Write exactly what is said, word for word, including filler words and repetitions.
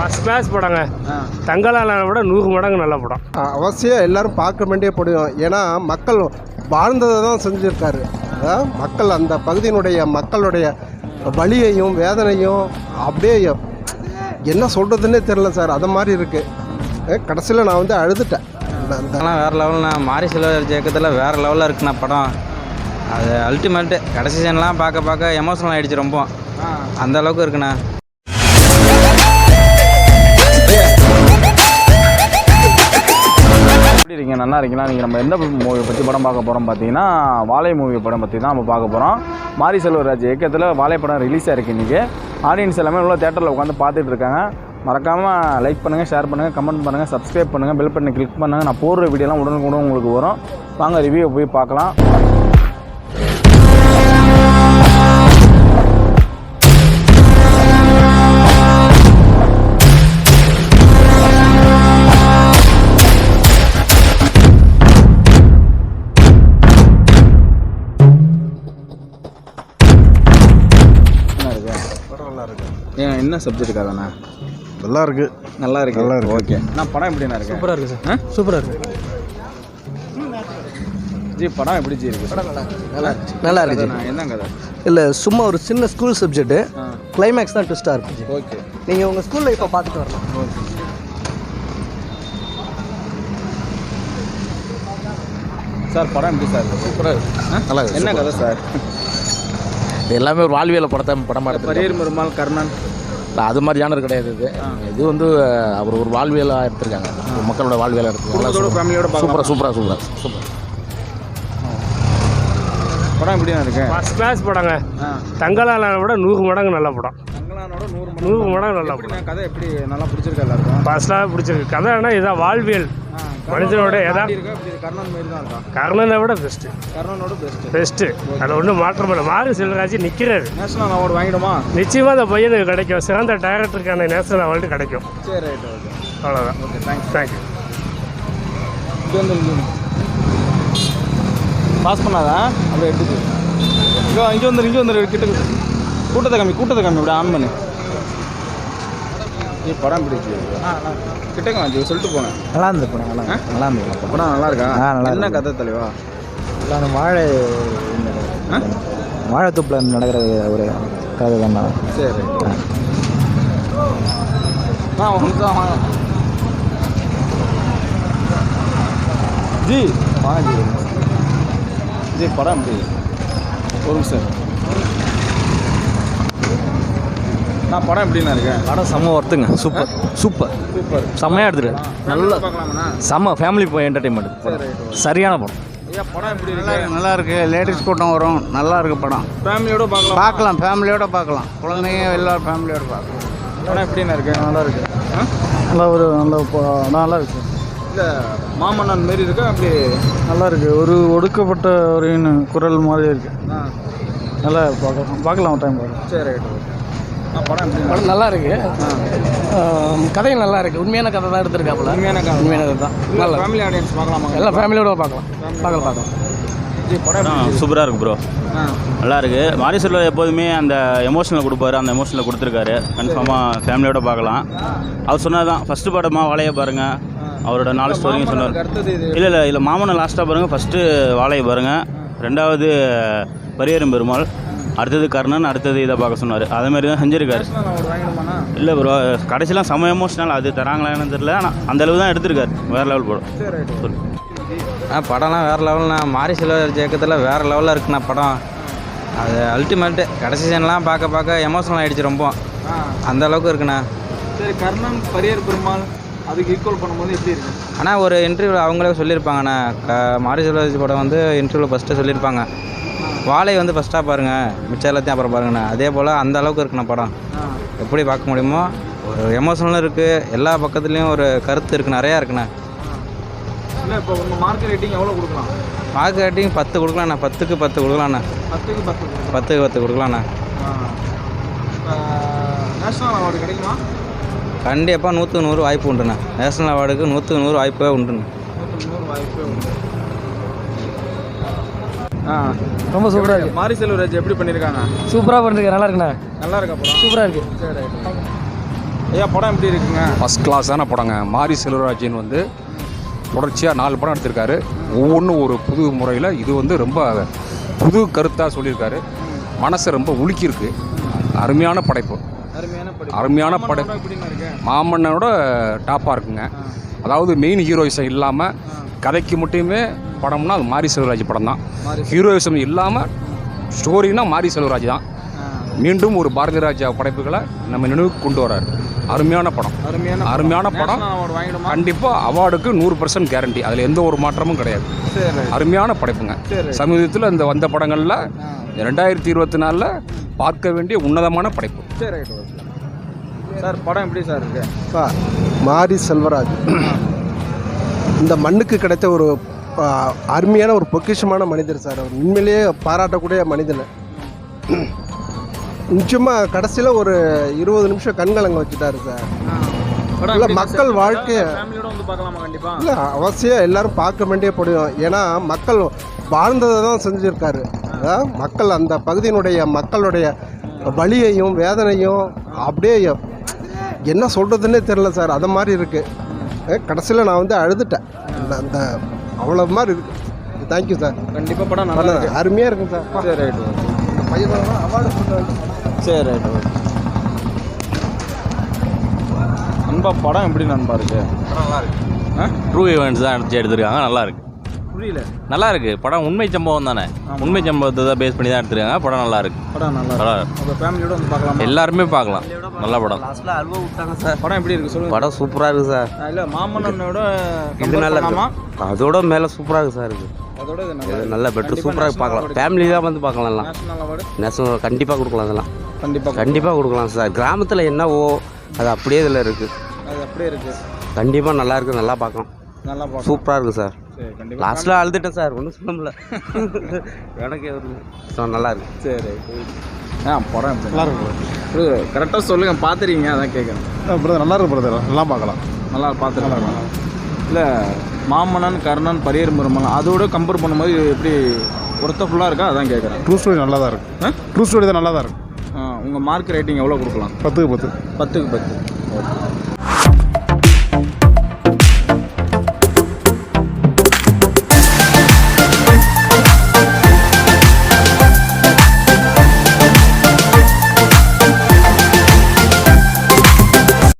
First class படங்க. தங்கலான விட நூறு மடங்கு நல்ல படம். அவசியம் எல்லாரும் பார்க்க வேண்டிய படம். ஏன்னா மக்கள் வாழ்ந்ததை தான் செஞ்சுருக்காரு. மக்கள் அந்த பகுதியினுடைய மக்களுடைய வலியையும் வேதனையும் அப்படியே என்ன சொல்கிறதுன்னே தெரில சார். அது மாதிரி இருக்குது. கடைசியில் நான் வந்து அழுதுட்டேன். அதெல்லாம் வேறு லெவல்ண்ணா. மாரி செல்வராஜ் இயக்கத்தில் வேறு லெவலில் இருக்குண்ணா படம். அது அல்டிமேட்டு. கடைசி சீன்லாம் பார்க்க பார்க்க எமோஷனல் ஆகிடுச்சு ரொம்ப. அந்த அளவுக்கு இருக்குண்ணா. எப்படி இருக்கீங்க? நல்லா இருக்கீங்களா? நீங்கள் நம்ம எந்த மூவி பற்றி படம் பார்க்க போகிறோம் பார்த்தீங்கன்னா வாழை மூவி படம் பற்றி தான் நம்ம பார்க்க போகிறோம். மாரி செல்வராஜ் இயக்கத்தில் வாழை படம் ரிலீஸ் ஆகிருக்கு. இன்றைக்கி ஆடியன்ஸ் எல்லாமே உள்ள தேட்டரில் உட்காந்து பார்த்துட்டு இருக்காங்க. மறக்காமல் லைக் பண்ணுங்கள், ஷேர் பண்ணுங்கள், கமெண்ட் பண்ணுங்கள், சப்ஸ்கிரைப் பண்ணுங்கள், பெல் பட்டனை கிளிக் பண்ணுங்கள். நான் போடுற வீடியோலாம் உடனுக்குடன் உங்களுக்கு வரும். வாங்க ரிவ்யூ போய் பார்க்கலாம். ஏன் என்ன சப்ஜெக்ட்டுக்காகண்ணா? நல்லா இருக்கு. நல்லா இருக்கு. நல்லா இருக்கு. ஓகே. நான் படம் எப்படிண்ணா இருக்கு? சூப்பராக இருக்குது சார். சூப்பராக இருக்குது ஜி. படம் எப்படி ஜி இருக்குது? படம் நல்லா நல்லா நல்லா இருக்குது. நான் என்ன கதை இல்லை, சும்மா ஒரு சின்ன ஸ்கூல் சப்ஜெக்ட்டு. கிளைமேக்ஸ் தான் ட்விஸ்ட்டாக இருக்குது. ஓகே. நீங்கள் உங்கள் ஸ்கூலில் இப்போ பார்த்துட்டு வரலாம். ஓகே. சார் படம் எப்படி சார் இருக்குது? சூப்பராக இருக்குது. நல்லா இருக்குது. என்ன கதை சார்? இது எல்லாமே ஒரு வாழ்வியல் படத்தை படமாக எடுத்து பரியேறும் பெருமாள் கர்ணன் அது மாதிரி ஜானர் கிடையாது. இது இது வந்து அவர் ஒரு வாழ்வியலாக எடுத்திருக்காங்க. மக்களோட வாழ்வியலாக எடுத்துருக்காங்க. ஃபேமிலியோட சூப்பராக சூப்பராக சூப்பராக சூப்பர். படம் எப்படியா இருக்கு? ஃபஸ்ட் கிளாஸ் படங்க. தங்கலான விட நூறு மடங்கு நல்ல படம். தங்கலானோட நூறு நூறு மடங்கு நல்ல படம். கதை எப்படி நல்லா பிடிச்சிருக்கு எல்லாருக்கும்? ஃபஸ்ட்டாக பிடிச்சிருக்கு. கதைன்னா இதான் வாழ்வியல் மனிதனோட எதாவது கர்ணன் மாரி தான் இருக்கா? கர்ணனை விட பெஸ்ட்டு. கர்ணனோட best best. அதில் ஒன்றும் மாற்றம் இல்லை. மாரி செல்வராஜ் நிற்கிறாரு. நேஷனல் அவார்டு வாங்கிடுமா? நிச்சயமாக அந்த பையனுக்கு கிடைக்கும். சிறந்த டைரக்டருக்கான நேஷனல் அவார்டு கிடைக்கும். சரி, ரைட். ஓகே, அவ்வளோதான். Okay, thanks. தேங்க்யூ. இது வந்து பாஸ் பண்ணாதா? அப்படியே எடுத்துக்கு. இங்கே இங்கே வந்துரு இங்கே வந்துரு கிட்ட கூட்டத்தை கம்மி கூட்டத்தை கம்மி அப்படியே ஆன் பண்ணு. நீ படம் பிடிச்சி கிட்டக்க வாங்கி சொல்லிட்டு போனேன். நல்லா இருந்து படம். நல்லா நல்லா இருந்து படம் நல்லா இருக்கா? நல்லா என்ன கதை தலைவா? இல்லை, அந்த வாழை வாழைத்தூப்பில் நடக்கிற ஒரு கதை தான். சரி. ஆ ஒன்று வாங்க ஜி. வாங்க ஜி. ஜி படம் எப்படி? ஒரு நிமிஷம். நான் படம் எப்படின்னா இருக்கேன்? படம் செம்ம ஒர்த்துங்க. Super super super. செம்மையாக எடுத்துரு. நல்ல பார்க்கலாமா? செம்ம ஃபேமிலி என்டர்டைன்மெண்ட். சரியான படம். ஐயா படம் எப்படி நல்லா இருக்கு? இருக்கு. நல்லா இருக்கு. லேடிஸ் கூட்டம் வரும். நல்லா இருக்கு படம். ஃபேமிலியோட பார்க்கலாம். பார்க்கலாம், ஃபேமிலியோட பார்க்கலாம். குழந்தைங்க எல்லாரும் ஃபேமிலியோட பார்க்கலாம். படம் எப்படின்னா இருக்கு? நல்லா இருக்கு. நல்லா ஒரு நல்ல நல்லா இருக்கு. இல்லை மாமன்னன் மாரி இருக்கா? அப்படி நல்லா இருக்கு. ஒரு ஒடுக்கப்பட்ட ஒரு குரல் மாதிரி இருக்கு. ஆ நல்லா பார்க்கலாம். பார்க்கலாம் ஒரு டைம் பார்க்கலாம். சரி, ரைட். ஓகே. ஆ படம் எப்படி? படம் நல்லா இருக்கு. கதையும் நல்லா இருக்கு. உண்மையான கதை தான் எடுத்திருக்காப்புல. உண்மையான கதை. உண்மையானது தான். நல்லா ஃபேமிலி ஆடியன்ஸ் பார்க்கலாமா? எல்லாம் ஃபேமிலியோட பார்க்கலாம். பார்க்கலாம் பார்க்கலாம். ஜி படம் எப்படி? சூப்பராக இருக்குது ப்ரோ. ஆ நல்லா இருக்குது. மாரி செல்வராஜ் எப்போதுமே அந்த எமோஷனில் கொடுப்பாரு. அந்த எமோஷனில் கொடுத்துருக்காரு. கன்ஃபார்மாக ஃபேமிலியோட பார்க்கலாம். அவர் சொன்னது தான் ஃபஸ்ட்டு படமா வாழையை பாருங்கள். அவரோட நாலு ஸ்டோரியும் சொன்னார். அடுத்தது இது இல்லை இல்லை இல்லை மாமனை லாஸ்ட்டாக பாருங்கள். ஃபஸ்ட்டு வாழையை பாருங்கள். ரெண்டாவது பரியேறும் பெருமாள். அடுத்தது கர்ணன். அடுத்தது இதை பார்க்க சொன்னார். அதேமாதிரி தான் செஞ்சுருக்காரு. அவர் வாங்கிடுமாண்ணா? இல்லை ப்ரோ, கடைசிலாம் செம எமோஷனல். அது தராங்களான்னு தெரியல. ஆனால் அந்த அளவு தான் எடுத்திருக்காரு. வேறு லெவல் படம். சரி, ரைட். சொல்லு. ஆ படம்லாம் வேறு லெவல்ண்ணா. மாரி செல்வராஜ் இயக்கத்தில் வேறு லெவலில் இருக்குண்ணா படம். அது அல்டிமேட்டு. கடைசி சீன்லாம் பார்க்க பார்க்க எமோஷனல் ஆகிடுச்சு ரொம்ப. அந்த அளவுக்கு இருக்குண்ணா. சரி, கர்ணன் பரியேறு பெருமாள் அதுக்கு ஈக்குவல் பண்ணும்போது எப்படி இருக்கு? ஆனால் ஒரு இன்டர்வியூவில் அவங்களே சொல்லியிருப்பாங்கண்ணா. க மாரி செல்வராஜ் படம் வந்து இன்டர்வியூவில் ஃபஸ்ட்டு சொல்லியிருப்பாங்க. வாழை வந்து ஃபஸ்ட்டாக பாருங்கள், மிச்சம் எல்லாத்தையும் அப்புறம் பாருங்கண்ணா. அதே போல் அந்த அளவுக்கு இருக்குண்ணா படம். எப்படி பார்க்க முடியுமோ ஒரு எமோஷனலும் இருக்குது. எல்லா பக்கத்துலேயும் ஒரு கருத்து இருக்குது. நிறையா இருக்குண்ணா. இல்லை இப்போ உங்கள் மார்க் ரேட்டிங் எவ்வளோ கொடுக்கலாம்? மார்க் ரேட்டிங் பத்து கொடுக்கலாண்ணா. பத்துக்கு பத்து கொடுக்கலாண்ணா. பத்துக்கு பத்து பத்துக்கு பத்து கொடுக்கலாண்ணா. நேஷனல் அவார்டு கிடைக்குமா? கண்டிப்பாக நூற்றுக்கு நூறு வாய்ப்பு உண்டுண்ணா. நேஷனல் அவார்டுக்கு நூற்றுக்கு நூறு வாய்ப்பே உண்டுண்ணா. நூற்றுக்கு நூறு வாய்ப்பே உண்டு. ஆ ரொம்ப சூப்பராக இருக்குது. மாரி செல்வராஜ் எப்படி பண்ணியிருக்காங்க? சூப்பராக பண்ணிருக்கேன். நல்லா இருக்குண்ணா. நல்லா இருக்கா படம்? சூப்பராக இருக்குது. சரி, ரைட். ஐயா படம் எப்படி இருக்குங்க? ஃபஸ்ட் கிளாஸான படங்க. மாரி செல்வராஜன் வந்து தொடர்ச்சியாக நாலு படம் எடுத்திருக்காரு. ஒவ்வொன்றும் ஒரு புது முறையில். இது வந்து ரொம்ப புது கருத்தாக சொல்லியிருக்காரு. மனசை ரொம்ப உலுக்கியிருக்கு. அருமையான படைப்பு. அருமையான படம். அருமையான படம். எப்படின்னு இருக்கு? மாமன்னனோட டாப்பாக இருக்குங்க. அதாவது மெயின் ஹீரோயிசம் இல்லாமல் கதைக்கு மட்டுமே படம்னா அது மாரி செல்வராஜ் படம் தான். ஹீரோயிசம் இல்லாமல் ஸ்டோரினா மாரி செல்வராஜ் தான். மீண்டும் ஒரு பாரதி ராஜா படைப்புகளை நம்ம நினைவுக்கு கொண்டு வராரு. அருமையான படம். அருமையான அருமையான படம். வாங்கிடுமா? கண்டிப்பாக அவார்டுக்கு நூறு பர்சன்ட் கேரண்டி. அதில் எந்த ஒரு மாற்றமும் கிடையாது. சரி. அருமையான படைப்புங்க. சரி. சமீபத்தில் இந்த வந்த படங்களில் ரெண்டாயிரத்தி இருபத்தி நாலில் பார்க்க வேண்டிய உன்னதமான படைப்பு. சரி சார், படம் எப்படி சார் இருக்கு? சார் மாரி செல்வராஜ் இந்த மண்ணுக்கு கிடைத்த ஒரு ஆ, அருமையான ஒரு பொக்கிஷமான மனிதர் சார். அவர் உண்மையிலேயே பாராட்டக்கூடிய மனிதன். நிச்சயமாக கடைசியில் ஒரு இருபது நிமிஷம் கண்கலங்க வச்சுட்டாரு சார். இல்லை மக்கள் வாழ்க்கையை ஃபேமிலியோட வந்து பார்க்கலாமா? கண்டிப்பா இல்லை அவசியம் எல்லாரும் பார்க்க வேண்டிய படம். ஏன்னா மக்கள் வாழ்ந்ததை தான் செஞ்சுருக்காரு. அதான் மக்கள் அந்த பகுதியினுடைய மக்களுடைய வலியையும் வேதனையும் அப்படியே என்ன சொல்கிறதுன்னே தெரில சார். அது மாதிரி இருக்குது. கடைசியில் நான் வந்து அழுதுட்டேன். அந்த- அந்த அவ்வளோ மாதிரி இருக்குது. Thank you sir. கண்டிப்பாக படம் நல்லா இருக்கு. அருமையாக இருக்குங்க சார். சரி ரைட். பையன் அவார்டு கொடுத்தாரு. சரி ரைட். நண்பா படம் எப்படி நண்பா இருக்கு? நல்லா இருக்கு. ட்ரூ ஈவெண்ட்ஸ் தான் எடுத்து எடுத்திருக்காங்க. நல்லா இருக்கு. புரியல. நல்லா இருக்கு. படம் உண்மை சம்பவம் தானே. உண்மை சம்பவத்தை தான் பேஸ் பண்ணி தான் எடுத்திருக்காங்க. படம் நல்லா இருக்கு. படம் நல்லா நல்லா இருக்கு. இருக்கு. உங்கள் ஃபேமிலியோட வந்து பார்க்கலாமா? எல்லாருமே பார்க்கலாம். நல்ல படம். லாஸ்ட்டில் அல்வா விட்டாங்க சார். படம் எப்படி இருக்கு சொல்லுங்க. படம் சூப்பராக இருக்குது சார். இல்லை மாமன்னனோட இது நல்ல பண்ணாமா? அதோட மேலே சூப்பராக இருக்குது சார். இது அதோட இது இது நல்லா நல்ல பெட்ரு சூப்பராக பார்க்கலாம். ஃபேமிலி தான் வந்து பார்க்கலாம். எல்லாம் நேஷனல் அவார்டு நேஷனல் கண்டிப்பாக கொடுக்கலாம். அதெல்லாம் கண்டிப்பாக கண்டிப்பாக கொடுக்கலாம் சார். கிராமத்தில் என்னவோ அது அப்படியே இதில் இருக்குது. அது அப்படியே இருக்கு. கண்டிப்பாக நல்லா இருக்குது. நல்லா பார்க்கலாம். நல்லா பார்க்கலாம். சூப்பராக இருக்குது சார். சரி கண்டிப்பாக. லாஸ்ட்டில் அழுதுட்டேன் சார். ஒன்றும் சொல்ல முடியல. எனக்கு ஸோ நல்லா இருக்கு. சரி ஆ படம் எப்படி நல்லா இருக்கு? கரெக்டாக சொல்லுங்கள். பார்த்துறீங்க அதான் கேட்குறேன். பிரதர் நல்லா இருக்கு பிரதர். நல்லா பார்க்கலாம். நல்லா பார்த்துருக்கலாம். இல்லை மாமன்னன் கர்ணன் பரியர் முருமன் அதோட கம்பேர் பண்ணும்போது இது எப்படி ஒருத்த ஃபுல்லாக இருக்கா அதான் கேட்குறேன். ட்ரூ ஸ்டோரி நல்லா தான் இருக்கு. ட்ரூ ஸ்டோரி தான் நல்லா தான் இருக்கு. உங்கள் மார்க் ரேட்டிங் எவ்வளோ கொடுக்கலாம்? பத்துக்கு பத்து. பத்துக்கு பத்து. ஓகே.